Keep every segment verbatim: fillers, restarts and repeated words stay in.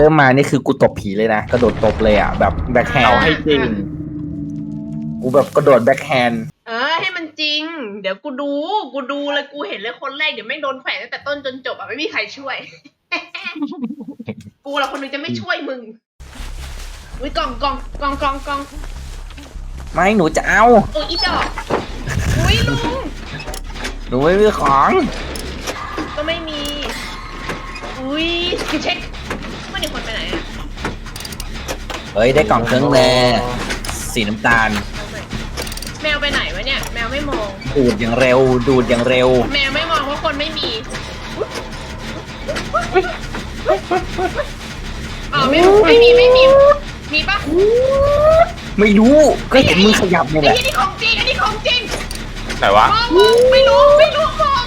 ริ่มมานี่คือกูตบผีเลยนะกระโดดตบเลยอ่ะแบบแบ็คแฮนเอาด์ให้จริงกูแบบกระโดดแบ็คแฮนด์เออให้มันจริง เดี๋ยวกูดู กูดูเลยกูเห็นเลยคนแรกเดี๋ยวไม่โดนแขวนตั้งแต่ต้นจนจบอ่ะไม่มีใครช่วย กูละคนหนึงจะไม่ช่วยมึงอุ้ยกล่องกล่องกล่องกล่องกล่องไม่หนูจะเอาโอ้ยอีดอกอุ้ยลุงหนูไม่มีของก็ไม่มี อุ้ยกูเช็คว่าเดี๋ยวคนไปไหนอะเฮ้ยได้กล่องเครื่องแร่สีน้ำตาลเอาใหม่แมวไปไหนวะเนี่ย แมวไม่มองดูดอย่างเร็ว ดูดอย่างเร็วแมวไม่มองเพราะคนไม่มีอ๋อไม่ไม่มีไม่มี มีปะไม่รู้ก็เห็นมึงขยับนี่แหไอ้ละที่นี่ของจริงอันนี้ของจริงไหนวะมองมองไม่รู้ไม่รู้มอง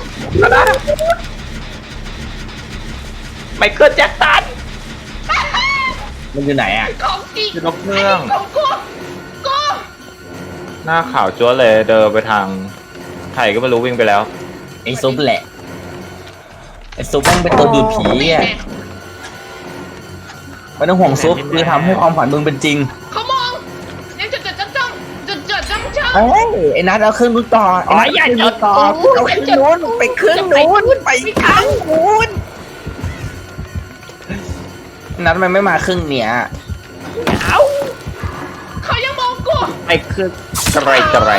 ไมเคิลแจ็คสันมันอยู่ไหนอ่ะของจริงอยู่นกเงือกนนี้ของกูกูหน้าขาวจ้วเลยเดินไปทางไข่ก็ไม่รู้วิ่งไปแล้วไอ้ซุปแหละไอ้ซุปแม่งเป็นตัวดูดผีนี่อ่ะไงไม่ต้องห่วงซุปคือทำให้ความฝันมึงเป็นจริงเขามองยังจดจดจ้องจ้องจดจดจ้องจ้องเอ้ยไอ้นัทเอาเครื่องนู้นต่อไอ้นัทเอาเครื่องนู้นต่อกูเอาเครื่องนู้นไปเครื่องนู้นไปเครื่องนู้นนัทมันไม่มาเครื่องเนี้ยเอาเขายังมองกูไอ้คือกระไรกระไร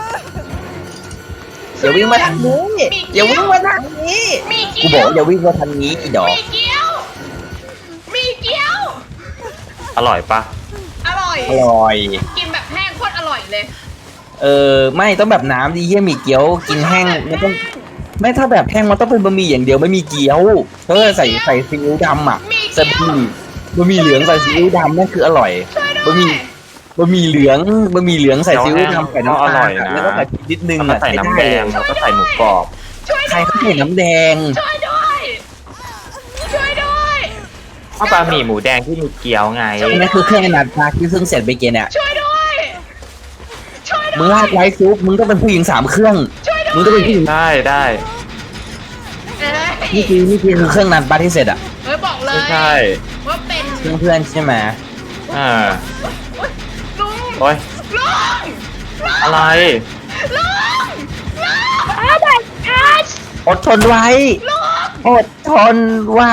อย่าวิ่งมาทางนี้อย่าวิ่งมาทางนี้มีกูเกี้บยอกวอย่าวิ่งมาทางนี้อีดอกมีเกี้ยว มีเกี้ยวอร่อยปะอร่อยอร่อยกินแบบแห้งโคตรอร่อยเลยเออไม่ต้องแบบน้ำดิเยี่ยหมี่เกี๊ยวกินแห้งมันต้องไม่ถ้าแบบแห้งมันต้องเป็นบะหมี่อย่างเดียวไม่มีเกี๊ยวถ้าใส่ใส่ซีอิ๊วดำอ่ะมีใส่เกี้ยวบะหมี่บะหมี่เหลืองใส่ซีอิ๊วดำนั่นคืออร่อยช่วยด้บะหวมี่ยบะหมี่เหลืองบะหมี่เหลืองใส่ซีอิ๊วดำใส่น้ำอตาร่อลยอะนะแล้วก็ใส่พริกนิดนึงแล้วก็อ่ะใส่น้ำแดงแล้วก็ใส่หมูกรอบช่วยใครด้วยเขาใส่น้ำแดงช่วยด้วย ช่วยด้วยข้าวปลาหมี่หมูแดงที่มีเกี๊ยวไงอันนั้นคือเครื่องนัดปลาที่เพิ่งเสร็จไปเกณฑ์เนี่ยช่วยด้วย ช่วยมึด้งวยลากไว้ซุปมึงต้องเป็นผู้หญิงสามเครื่องช่วยด้วยมึงต้องเป็นผู้หญิงได้ได้เอ้ยนี่คือนี่คือเครื่องนัดปลาที่เสร็จอ่ะเอ้ยบอกเลยไม่ใช่ว่าเป็นเพื่อนเพื่อนใช่ไหมอ่าอุ๊ยลุงโอ้ยลุงลุงอะไรลุงลุงอะไรกันอดทนไว้ลุงอดทนไว้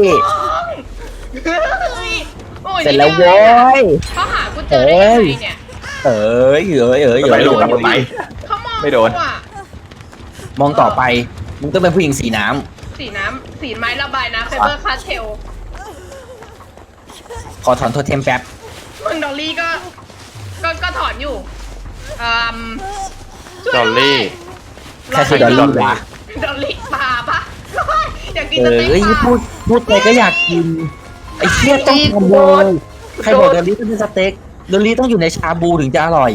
โอ้ยเสร็จแล้วโว้ยเขาหากูเจอได้ยังไงเนี่ยเอ้ยเอ้ยเอ้ยไปเอ้ยดูกันไปเขามองไม่โดนกูอะมองต่อไป มึงต้องเป็นผู้หญิงสีน้สีน้ำสีไม้ระบายน้ำไฟเบอร์คาสเทลำขอถอนโทเทมแป๊บมึงดอลลี่ก็ ก็ก็ถอนอยู่อืมช่วยดอลลี่ใครคือดอลลี่วะดอลลี่ปลาปะอยากกินเอสเต็ก้ยปลาพูดพูดไปก็อยากกิน ไอ้เชี่ยต้องทำเลยใครบอกดอลลี่ต้องเป็นสเต็กดอลลี่ต้องอยู่ในชาบูถึงจะอร่อย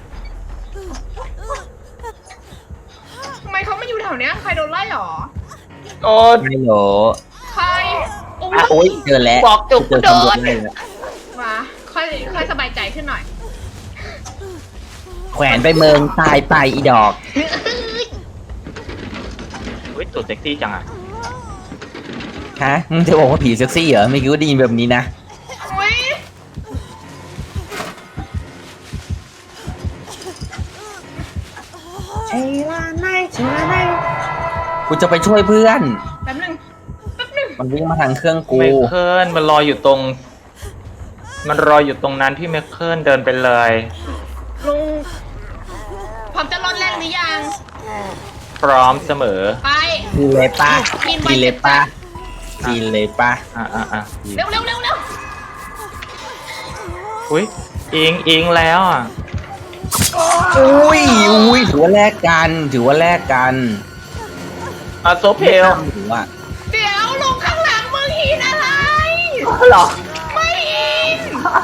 ทำไมเขาไม่อยู่แถวเนี้ยใครโดนไล่หรอโอ้ยไม่หรอใครโอ้อ่ะโอ๊ยยเจอแล้วบอกจุกเจอโดตำรวจนไล่แล้วมาค่อยค่อยสบายใจขึ้นหน่อยแขวนไปเมืองตายไปอีดอกเฮ้ยตัวเซ็กซี่จังอ่ะฮะ มึงจะบอกว่าผีเซ็กซี่เหรอ ไม่คิดว่าได้ยินแบบนี้นะอุ้ยกูจะไปช่วยเพื่อนแป๊บนึงแป๊บนึงมันวิ่งมาทางเครื่องกูไมเคิลมันรออยู่ตรง มันรออยู่ตรงนั้นที่ไมเคิลเดินไปเลยลุงพร้อมจะรอนแรกหรือยังพร้อมเสมอไปกินเลยปะกินไปกินเลยปะกินเลยปะอ่ะอ่ะอ่ะเร็วเร็วเร็วเร็วอุ้ยอิงอิงแล้วอ่ะอุ้ยอุ้ยถือว่าแลกกัน ถือว่าแลกกันอ่ะโซเพลถือว่าเดี๋ยวลุงข้างหลังมึงหินอะไรหรอไม่หิน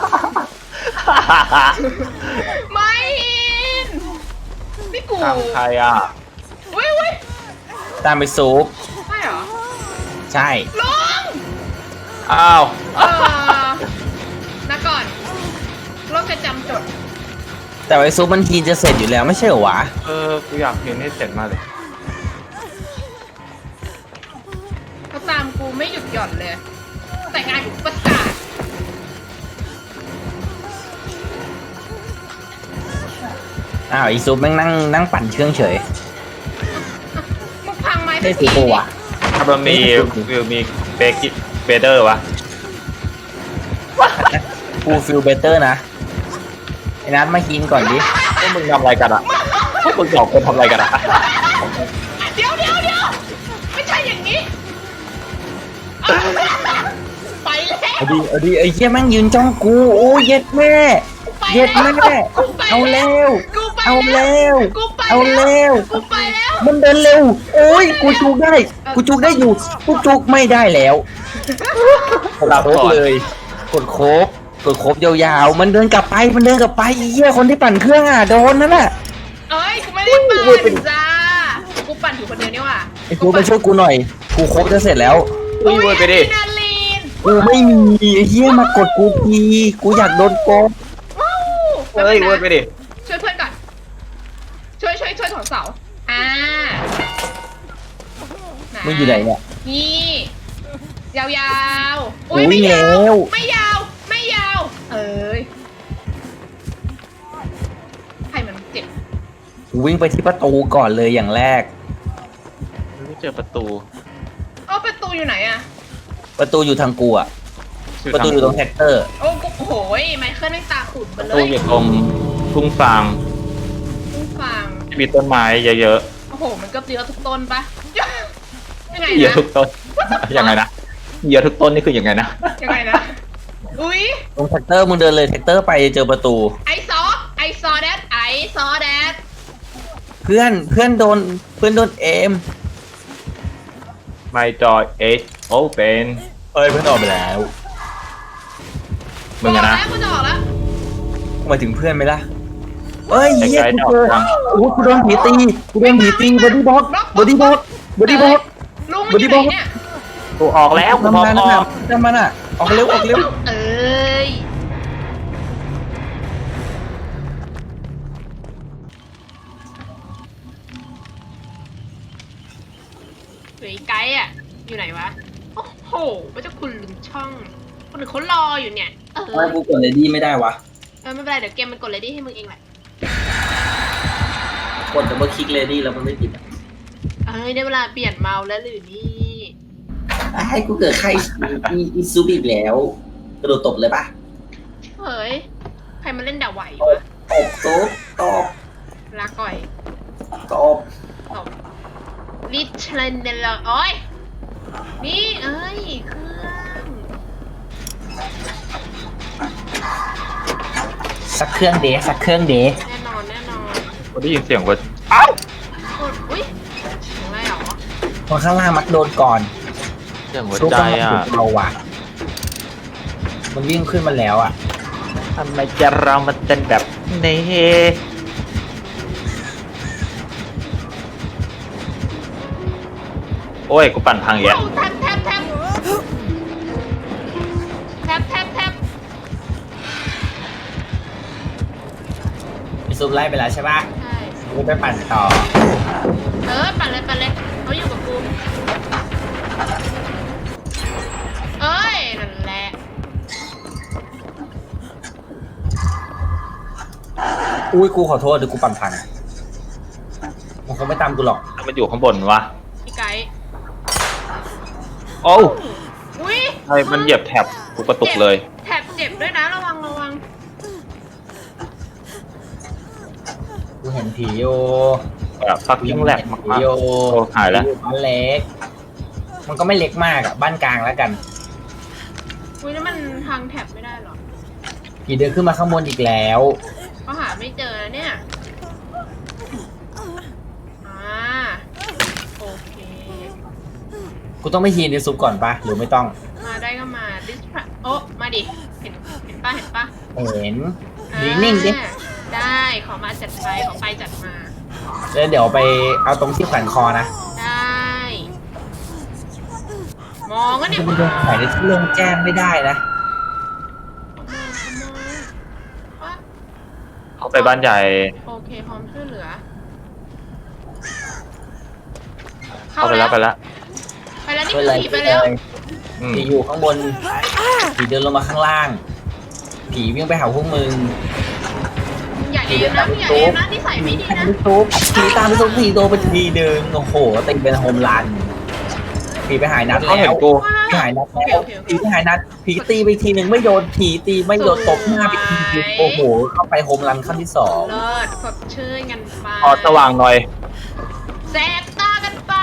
ไม่หินนี่กูทางใครอ่ะอุ้ยอุ้ยตามไปซุปใช่เหรอใช่ลุงอ้าวเออนะก่อนโรคจะจำจดแต่ไอซุปมันทีจะเสร็จอยู่แล้วไม่ใช่เหรอวะเออ กูอยากเห็นให้เสร็จมากเลยเขาตามกูไม่หยุดหย่อนเลย แต่งานกูประกาศอ้าวอีซุปแม่งนั่งนั่งปั่นเครื่องเฉยมึงพังไม้ได้ทีสิตัวะถ้ามันมีฟิลมีเบกิเบเดอร์วะกูฟิลเบเตอร์นะไอ้นัทมากินก่อนดิพวกมึงทำอะไรกันอะพวกมึงสองคนทำอะไรกันอะเดี๋ยวเดี๋ยวเดี๋ยวไม่ใช่อย่างนี้เอาไปแล้วเอาดีเอาดีไอ้เหี้ยแม่งยืนจ้องกูโอ้ยเย็ดแม่ไปเย็ดแล้วแม่กูไปเอาเร็วกูไปเอาเร็วกูไปเอาเร็วกูไปแล้วมันเดินเร็ว โอ้ยกูจุกได้ กูจุกได้อยู่ กูจุกไม่ได้แล้วหลับโคบก่อนเลย กดโคบกดโคบยาวๆ มันเดินกลับไป มันเดินกลับไปไอ้เหี้ยคนที่ปั่นเครื่องอ่ะโดนนั่นแหละเอ้ยกูไม่ได้ปั่นจ้ากูปั่นอยู่คนเดียวนี่หว่าไอ้กูมาช่วยกูหน่อย กูโคบจะเสร็จแล้วอุ้ยเว้ยไปดิอะดรีนาลีนกูไม่มีไอ้เหี้ยมากดกูทีกูอยากโดนโกงว้าวเฮ้ยเว้ยไปดิช่วยเพื่อนก่อนช่วยช่วยช่วยถอนเสาอ่ามึงอยู่ไหนเนี่ยนี่ยาวๆโอ้ยไม่ยาแล้วไม่ยาวไม่ยาว เอ้ยใครมันเจ็บกูวิ่งไปที่ประตูก่อนเลยอย่างแรกไม่เจอประตูเอ้าประตูอยู่ไหนอะประตูอยู่ทางกูอ่ะ ประตูอยู่ตรงแท็กเตอร์โอ้โหยไมเคิลไม่ตาขุ่นไปประเลตูยอยู่ตรงทุ่งฟางผู้ฟังที่มีต้นไม้เยอะโอ้โห มันก็เยอะทุกต้นปะยังไงๆเยอะนะทุกต้นยังไงนะเยอะทุกต้นนี่คือยังไงนะยังไงนะ อุ้ยตรงแท็กเตอร์มึงเดินเลยแท็กเตอร์ไปเจอประตูไอซอไอซอแดดไอซอแดดเพื่อนเพื่อนโดนเพื่อนโดนเอม My door is open เอ้ยเพื่อนออกไปแล้วมึงอะนะกูจะออกแล้วหมายถึงเพื่อนไหมล่ะเอ้ยไอ้เหี้ยไกด์กูเจอออกยังโอ้กูโดนผีตีกูโดนผีตีบอดี้บ็อกบอดี้บ็อกบอดี้บ็อกลุงมันอยู่ไหนเนี่ยกูออกแล้วกูพร้อมทำงานอนะอกทำมันอ่ะออกเร็วออกเร็วเอ้ยเหลืออีกไกด์อ่ะ อยู่ไหนวะ โอ้โหพระเจ้าคุณลุงช่อง คนอื่นเขารออยู่เนี่ย เออทำไมกูกดเลดี้ไม่ได้วะเออไม่เป็นไร เดี๋ยวเกมมันกดเลดี้ให้มึงเองแหละกดดับเบิลคลิกเลดี้แล้วมันไม่ติดอ่ะเอ้ยได้เวลาเปลี่ยนเมาส์แล้วหรือนี่ให้กูเกิดใครอีอีซูบอีกแล้วกระโดดตบเลยปะเฮ้ย ใครมาเล่นด่าไหวตวะบตบตบตบลาก่อยตบตบลิชเลนเดลโอ้ย นี่เอ้ย เครื่องสักเครื่องเดะสักเครื่องเดะแน่นอนแน่นอนกูได้ยินเสียงว่าอ้าวกดอุ้ยถึงอะไรหรอคนข้างล่างมักโดนก่อนเสียงหัวใจอ่ะเราว่ะมันวิ่งขึ้นมาแล้วอ่ะทำไมจะเรามันเป็นแบบนี้โอ้ย กูปั่นพังอีกแล้วโอ้แทบแทบแทบแทบแทบแทบมีซูมไล่ไปแล้วใช่ปะใช่กูไปปั่นต่อเออปั่นเลยปั่นเลยเขาอยู่กับกูเอ้ย นั่นแหละอุ้ยกูขอโทษเดี๋ยวกูปั่นพังมันคงไม่ตามกูหรอกมันอยู่ข้างบนวะพี่ไก่โอ้วอุ้ยไอ้มันเหยียบแท็บกูกระตุกเลยแถบเจ็บด้วยนะ ระวังระวังกูเห็นผีอยู่แบบฟักยิ่งแหลกผีมากๆอยู่โอ้หายแล้วผีบ้านเล็ก มันก็ไม่เล็กมากอ่ะบ้านกลางแล้วกันอุ้ยแล้วมันทางแถบไม่ได้หรอผีเดินขึ้นมาข้างบนอีกแล้วเขาหาไม่เจอนะเนี่ย อ่า โอเคกูต้องไปฮีนในซุปก่อนปะหรือไม่ต้องมาได้ก็มาดิสพระโอ้มาดิ เห็น เห็นปะเห็นปะเห็นอ่านิ่งๆดิได้ ขอมาจัดไป ขอไปจัดมาแล้วเดี๋ยวไปเอาตรงที่แขวนคอนะได้ มองก็เนี่ยจะไปโดนแขวนในที่โล่งแจ้งไม่ได้นะมองมองว่าเขาไปบ้านใหญ่โอเค พร้อมช่วยเหลือเข้าไปแล้วไปแล้วไปแล้วนี่ช่วยคืออะไรผีไปแล้วอืมผีอยู่ข้างบน ผีเดินลงมาข้างล่าง ผีวิ่งไปหาพวกมึงอย่าเอมนะอย่าเอมนะที่ใส่ไม่ดีนะไปซุปผีตามไปซุปผีโดนไปทีเดินโอ้โหตีเป็นโฮมรันผีไปหายนัดเขาแล้เห็นวกูผีหายนัดแล้วผีไปหายนัดผีตีไปทีหนึ่งไม่โดนผีตีไม่โดนตบหน้าไปทีเดียวโอ้โหเข้าไปโฮมรันขั้นที่สองเลิศสดชื่นกันไปพอสว่างหน่อยแสบตากันไป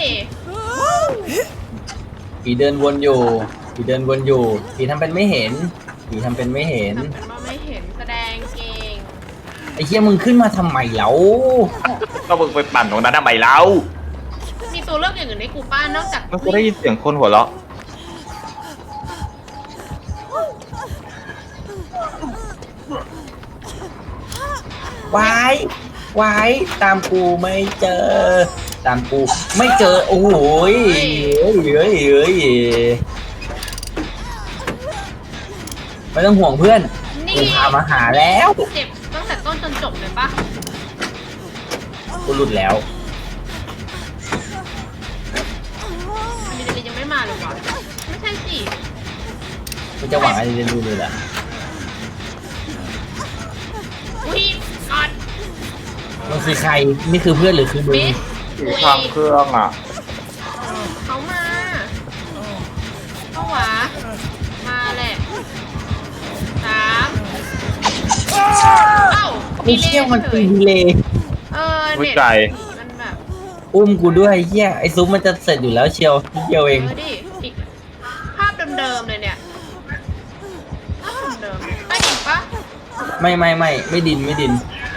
ผีเดินวนอยู่ผีเดินวนอยู่ผีทำเป็นไม่เห็นผีทำเป็นไม่เห็นทำเป็นว่าไม่เห็นแสดงเก่งไอ้เหี้ยมึงขึ้นมาทำไมแล้วก็มึงไปปั่นตรงนั้นทำไมเล่ามีตัวเลือกอย่างอื่นให้กูป้านอกจากมันก็ได้ยินเสียงคนหัวเราะวายวายตามกูไม่เจอ ตามกูไม่เจอโอ้โหยเฮ้ยเฮ้ยเฮ้ยไม่ต้องห่วงเพื่อนนี่กูพามาหาแล้วเจ็บตั้งแต่ต้นจนจบเลยปะกูหลุดแล้วอันนี้เดลิยังไม่มาเลยวะไม่ใช่สิกูจะหวังอะไรจะดูเลยล่ะอุ้ยก่อนมันคือใครนี่คือเพื่อนหรือคือมึงมิสอยู่อุ้ยข้างเครื่องอ่ะเขามาเข้าวะมาแหละสามเอ้าไม่เชี่ยวมันเฉตียดีเลยเออวิเน็ตจัยมันแบบอุ้มกูด้วยเฮียไอ้ซุปมันจะเสร็จอยู่แล้วเชียวนิดเดียวเองเออดิอีกภาพเดิมๆเลยเนี่ยภาพเดิมๆไปอีกปะไม่ไม่ไม่ไม่ดินไม่ดิน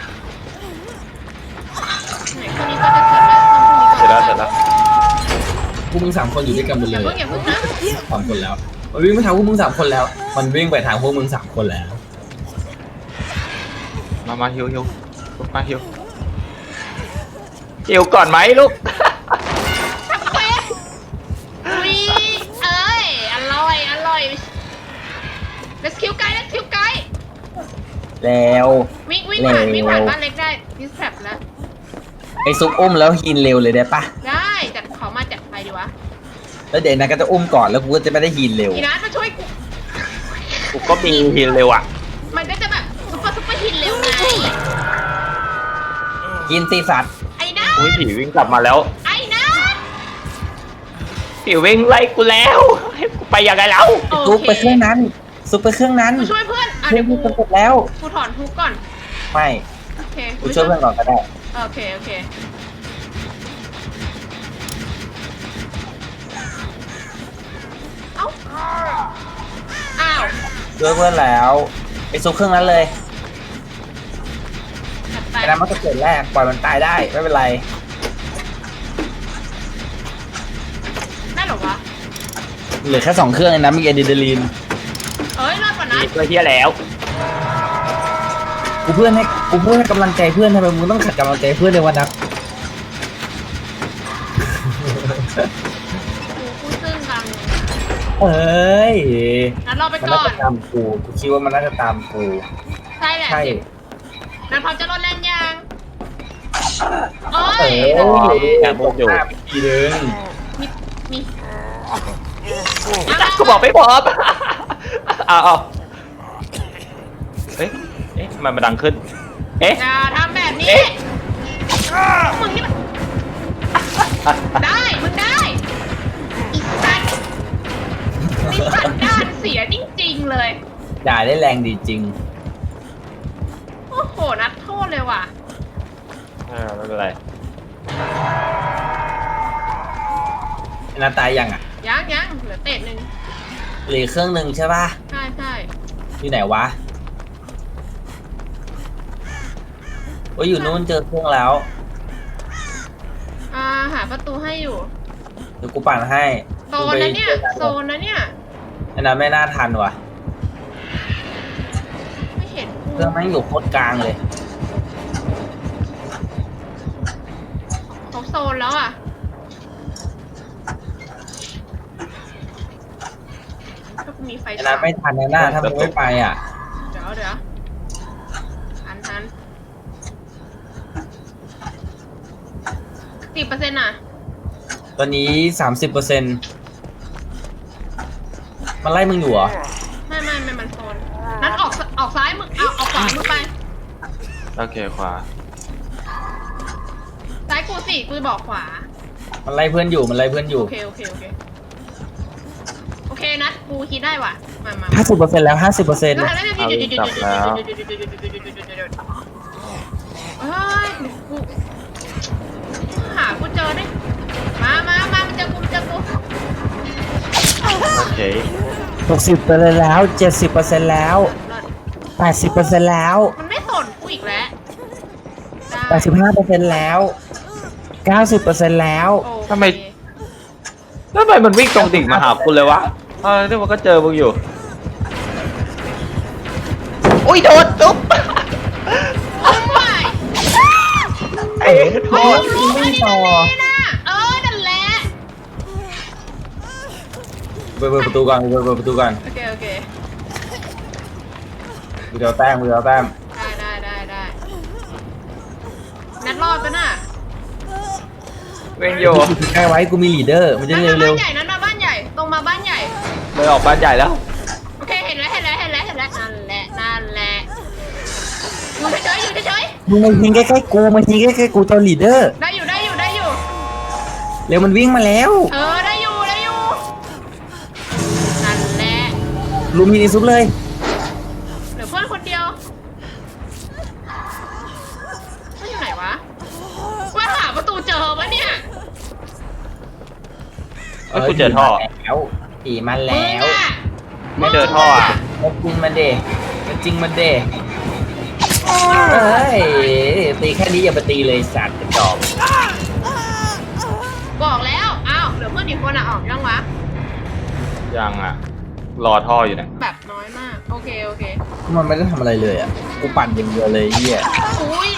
ไหนคนนี้ก็จะเสร็จแล้วเสร็จแล้วเสร็จแล้วพวกมึงสามคนอยู่ด้วยกันหมดอเลย่าย เพิ่งอย่าเพิ่งนะสามคนแล้วมันวิ่งไปทางพวกมึงสามคนแล้ว มันวิ่งไปทางพวกมึงสามคนแล้วมามาฮิวฮิวลูกมาฮิวฮิวก่อนไหมลูกเว้ยอุ้ยเอ้ยอร่อยอร่อย let's kill ไก่ let's kill ไก่แล้ววิ่งวิ่งผ่านเร็ววิ่งผ่านบ้านเล็กได้ดิสแทรปแล้วไอ้ซุปอุ้มแล้วฮินเร็วเลยได้ปะได้จัดขอมาจัดไปดีวะแล้วเดี๋ยวนะก็จะอุ้มก่อนแล้วกูก็จะไม่ได้ฮินเร็วอีนัทมาช่วยกูกูก็มีฮิลเร็วอ่ะมันก็จะแบบซุปเปอร์ซุปเปอร์ฮินเร็วไงกินตีสัตว์ไอ้นัทอุ้ยผีวิ่งกลับมาแล้วไอ้นัทผีวิ่งไล่กูแล้วให้กูไปยังไงแล้วโอซุปเคไปเครื่องนั้นซุปไปเครื่องนั้นกูช่วยเพื่อนอ่ะเพื่อเดี๋นยวกูกูจะเสร็จแล้วกูถอนทุกก่อนไม่โอเคกูช่วยเพื่อนก่อนก็ได้โอเคโอเคเอ้าอ้าวช่วยเพื่อนแล้วไอ้ซุปเครื่องนั้นเลยจัดไปไอ้นั้นมันก็เกิดแรกปล่อยมันตายได้ไม่เป็นไรได้เหรอวะเหลือแค่สองเครื่องเองนะมีอะดรีนาลีนเอ้ยรอดกว่านั้นมีเพื่อเฮียแล้วกูเพื่อนให้กูเพื่อนให้กำลังใจเพื่อนทำไมมึงต้องขัดกำลังใจเพื่อนในวันนับกูพูดซึ่งกันเอ้ยงั้นรอไปมันก่น่าอนจะตามกูกูคิดว่ามันน่าจะตามกูใช่แหละใช่สินั้นพร้อมจะลดแรงยังโอ้เอย อแอบบอกอยู่หน้าไปทีนึงมีมีจักกูบอกไม่พร้อมเอาเอาเอ๊ะเอ๊ะทำไมมันดังขึ้น เอ๊ะอย่าทำแบบนี้เอ๊ะมึงนี่มันได้ มึงได้อีสัตว์นี่สัตว์ด้านเสียจริงๆเลยด่าได้แรงดีจริงโอ้โห นักโทษเลยว่ะเออไม่เป็นไรไอ้นาตายยังอ่ะยังยังเหลือเตะหนึ่งเหลือเครื่องหนึ่งใช่ป่ะใช่ใช่ที่ไหนวะว่าอยู่นู้นเจอเครื่องแล้วอ่าหาประตูให้อยู่เดี๋ยวกูปั่นให้โซนนะเนี่ย โซนนะเนี่ยอันนั้นไม่น่าทันว่ะไม่เห็นเครื่องแม่งอยู่โคตรกลางเลยเขาโซนแล้วอ่ะ ถ้ากูมีไฟอันนั้นไม่ทันแน่น่าถ้ามึงไม่ไปอ่ะเดี๋ยวเดี๋ยวทันทันสิบเปอร์เซ็นต์อ่ะตอนนี้สามสิบเปอร์เซ็นต์มันไล่มึงอยู่เหรอไม่ไม่ไม่มันโซนนั้นออกออกซ้ายมึงเอาออกขวามึงไปโอเคขวาซ้ายกูสิกูบอกขวามันไล่เพื่อนอยู่มันไล่เพื่อนอยู่โอเคโอเคโอเคโอเคนัดกูคิดได้ว่ะมามาห้าสิบเปอร์เซ็นต์แล้วห้าสิบเปอร์เซ็นต์เฮ้ยกูหากูเจอได้มามามามันเจอกูมันเจอกูโอเคหกสิบเปอร์เซ็นต์แล้วเจ็ดสิบเปอร์เซ็นต์แล้วแปดสิบเปอร์เซ็นต์แล้วมันไม่สนกูอีกแล้วแปดสิบห้าเปอร์เซ็นต์แล้วเก้าสิบเปอร์เซ็นต์แล้วทำไม แล้วทำไมมันวิ่งตรงดิ่งมาหาคุณเลยวะเออที่มันก็เจอมึงอยู่อุ้ยโดนตุ๊บโอ้ยไอ้โทโอ้ษยไม่ต่อเออนั่นแหละเปิดประตูก่อนเปิดประตูก่อนโอเคโอเคกูจะเอาแต้มกูจะเอาแต้มได้ได้ได้ได้นัดรอดปะน่ะวิ่งอยู่ใกล้ไว้กูมีลีดเดอร์มันจะนัดเร็มาว บ้านใหญ่นัดมาบ้านใหญ่ตรงมาบ้านใหญ่เลยออกบ้านใหญ่แล้วโอเคเห็นแล้วเห็นแล้วเห็นแล้วเห็นแล้วนั่นแหละนั่นแหละอยู่เฉยๆอยู่เฉยๆมึงมายิงใกล้ๆกูมายิงใกล้ๆกูตัวลีดเดอร์ๆได้อยู่ได้อยู่ได้อยู่เร็วมันวิ่งมาแล้วเออได้อยู่ได้อยู่นั่นแหละลุมยิงอีซุปเลยเหลือเพื่อนคนเดียวมันอยู่ไหนวะว่าหาประตูเจอปะเนี่ยเอ้ยกูเจอท่อแล้วผีมามึแล้งวอะไม่เจอท่ออ่ะมาจริงมาเดมาจริงมาเดเฮ้ยตีแค่นี้อย่าไปตีเลยสัตว์กระจอกบอกแล้วอ้าวเหลือเพื่อนอีกคนอะออกยังวะยังอ่ะ รอท่ออยู่เนี่ยแบบน้อยมากโอเคโอเคมันไม่ได้ทำอะไรเลยอ่ะกูปั่นอย่างเดียวเลยเฮียอุ้ย